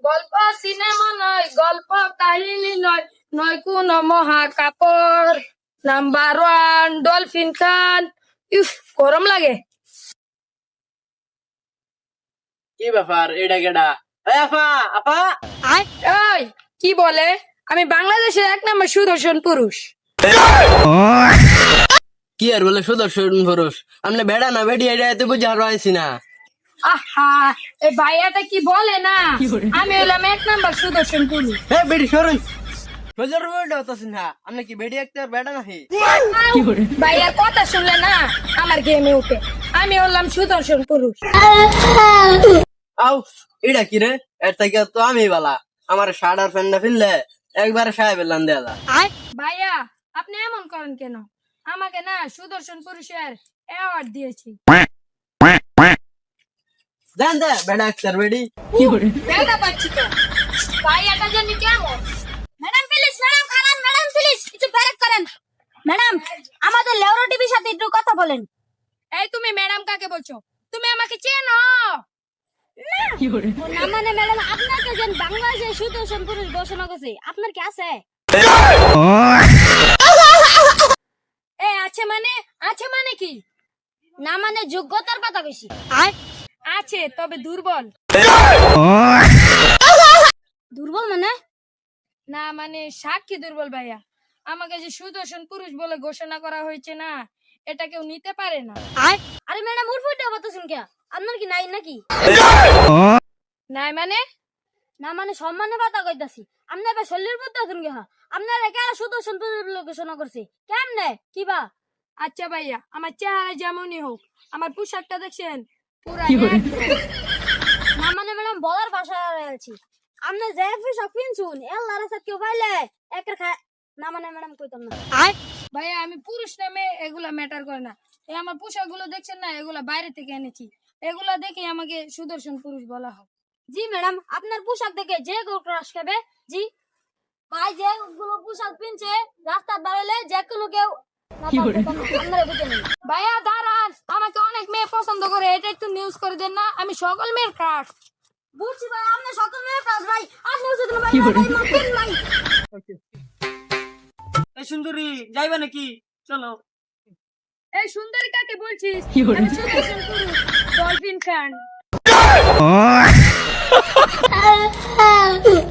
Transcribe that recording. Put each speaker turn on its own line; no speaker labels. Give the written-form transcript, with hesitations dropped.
গল্প সিনেমা নয়, গল্প কাহিনী নয়, নয় কোন মহাকাপড়। Number one dolphin Khan. If, গরম লাগে।
কি ব্যাপার এটা কেডা? এই আপা আপা
এই কি বলে? আমি বাংলাদেশের 1 নম্বর সুদর্শন পুরুষ।
কি আর বলে সুদর্শন পুরুষ? আমরা বেড়া না বেডি এটা এত বুঝে আর পাইছি না।
আহা, এই ভাইয়াটা কি বলে না, আমি হলাম 1 নম্বর সুদর্শন পুরুষ।
হ্যাঁ বেডি সরুন, সোজার বেডা হতাছি না। আমরা কি বেডি একটা বেড়া নাহি?
ভাইয়ার কথা শুনলে না আমার গেমে উঠে। আমি হলাম সুদর্শন পুরুষ।
আউ এটা কি রে? এর থেকে তো আমি বালা। আমার শার্ট আর প্যান্টটা ফিরলে একবারে সাহেবের লান দেয়া।
ভাইয়া আপনি এমন করেন কেন? আমাকে না সুদর্শন পুরুষের অ্যাওয়ার্ড দিয়েছি।
জান দে বেড়া একটা বেডি।
দেখা পাচ্ছি তো ভাইয়াটা জানি কেমন।
ম্যাডাম প্লিজ, ম্যাডাম খারান, ম্যাডাম প্লিজ একটু ব্রেক করেন। ম্যাডাম আমাদের লেওরা টিভির সাথে একটু কথা বলেন।
এই তুমি ম্যাডাম কাকে বলছো? তুমি আমাকে চেনো?
ও না মানে ম্যাডাম আপনাকে যেন বাংলাদেশে সুদর্শন পুরুষ ঘোষণা করছে, আপনার কি আছে?
আছে মানে কি?
না মানে যোগ্যতার কথা বেশি।
আছে তবে দুর্বল।
দুর্বল মানে?
না মানে সাক্ষী দুর্বল ভাইয়া। আমাকে যে সুদর্শন পুরুষ বলে ঘোষণা করা হয়েছে না, এটা কেউ নিতে পারে না।
আরে ম্যাডাম উঠফুটে বলতেছেন কে? আপনার কি নাই নাকি?
নাই মানে?
না মানে সম্মানে কথা কইতাছি। আপনি এবার শরীর বলতেছেন কে? আপনার একা সুদর্শন পুরুষ ঘোষণা করছে কেমনে কিবা?
আচ্ছা ভাইয়া, আমার চেহারা যেমনই হোক, আমার পোশাকটা দেখছেন পুরা
না মানে ম্যাডাম বলার ভাষা আছি। আপনি যে পোশাক পিনছুন এল্লার সাথে কেউ পাইলে একের না মানে ম্যাডাম কইতাম না।
ভাইয়া আমি পুরুষ নামে এগুলা ম্যাটার করে না। এই আমার পোশাক গুলো দেখছেন না, এগুলা বাইরে থেকে এনেছি। এগুলা দেখে আমাকে সুদর্শন পুরুষ বলা হয়।
জি ম্যাডাম, আপনার পোশাক দেখে যে কেউ ক্রাশ খাবে। জি ভাই, যে গুলো পোশাক পিনছে রাস্তা দাঁড়ালে যে কোনো কেউ আপনারা বুঝে নিন।
ভাইয়া দাঁড়ান, আমাকে অনেক মেয়ে পছন্দ করে, এটা একটু নিউজ করে দেন না। আমি সকল মেয়ের ক্রাশ।
বুঝছি ভাই, আপনি সকল মেয়ে ক্রাশ ভাই। আপনি বুঝতে ভাই মারতেন ভাই।
এই সুন্দরী যাইবা নাকি? চলো।
এই সুন্দরী কাকে বলছিস? আমি সুদর্শন পুরুষ, ডলফিন খান।